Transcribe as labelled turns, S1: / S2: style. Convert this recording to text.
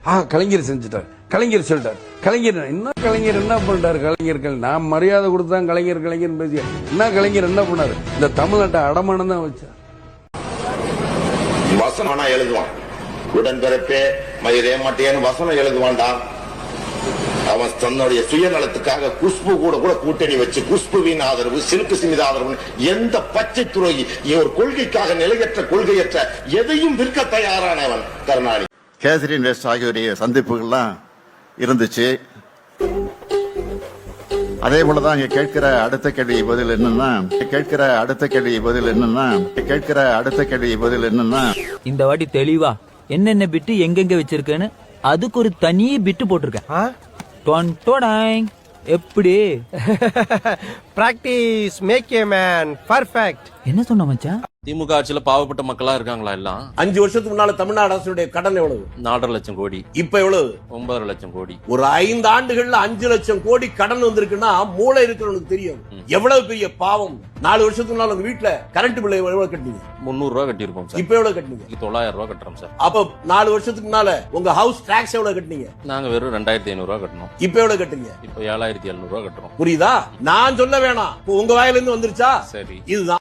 S1: கலைஞர் செஞ்சுட்டார், கலைஞர் சொல்லிட்டார், கலைஞர் என்ன பண்றாரு? கலைஞர்கள் நான் மரியாதை கொடுத்தான் கலைஞர் பேசிய என்ன கலைஞர் என்ன பண்ணாரு? இந்த தமிழ்நாட்டை அடமானம் தான் வச்சார்.
S2: வசனம் எழுதுவான், உடன்பிறப்பே மயிரே மாட்டேன்னு வசனம் எழுதுவான்டா. அவன் தன்னுடைய சுயநலத்துக்காக குஷ்பு கூட கூட்டணி வச்சு குஷ்புவின் ஆதரவு, சிலுக்கு சிமித ஆதரவு, எந்த பச்சை துரோகி ஒரு கொள்கைக்காக கொள்கையற்ற எதையும் விற்க தயாரானவன் கருணாநிதி.
S3: கேசரின் வெஸ்ட் ஆகியோருடைய சந்திப்புகள்லாம் இருந்துச்சு. அதே போலதான் இங்க கேட்கிற அடுத்த கேள்வி பதில் என்னன்னா
S4: இந்த வாட்டி தெளிவா என்னென்ன பிட்டு எங்கெங்க வச்சிருக்கேன்னு அதுக்கு ஒரு தனி பிட்டு போட்டிருக்கேன். எப்படி
S5: practice make a man perfect.
S4: என்ன சொன்ன மச்சான்?
S6: திமுக ஆட்சியில பாவப்பட்ட மக்களா இருக்காங்களா எல்லாம்?
S7: 5 வருஷத்துக்கு முன்னால தமிழ்நாடு அரசுடைய கடன் எவ்வளவு?
S6: 4.5 லட்சம் கோடி.
S7: இப்ப எவ்வளவு?
S6: 9.5 லட்சம் கோடி.
S7: ஒரு 5 ஆண்டுகள்ல 5 லட்சம் கோடி கடன் வந்திருக்குன்னா மூளை இருக்கிறவனுக்கு தெரியும் எவ்வளவு பெரிய பாவம். 4 வருஷத்துக்கு முன்னால உங்க வீட்டுல கரண்ட் பில் எவ்வளவு கட்டினீங்க?
S6: 300 ரூபாய் கட்டியிருக்கோம் சார்.
S7: இப்ப எவ்வளவு கட்டினீங்க?
S6: 900 ரூபாய் கட்டுறோம் சார்.
S7: அப்ப 4 வருஷத்துக்கு முன்னால உங்க ஹவுஸ் டாக்ஸ் எவ்வளவு கட்டினீங்க?
S6: நாங்க வெறும் 2500 ரூபாய் கட்டணும்.
S7: இப்ப எவ்வளவு கட்டுறீங்க?
S6: இப்ப 7700 ரூபாய் கட்டுறோம்.
S7: புரியுதா? நான் சொல்ல வேணாம், உங்க வாயில இருந்து வந்துருச்சா?
S6: சரி,
S7: இதுதான்.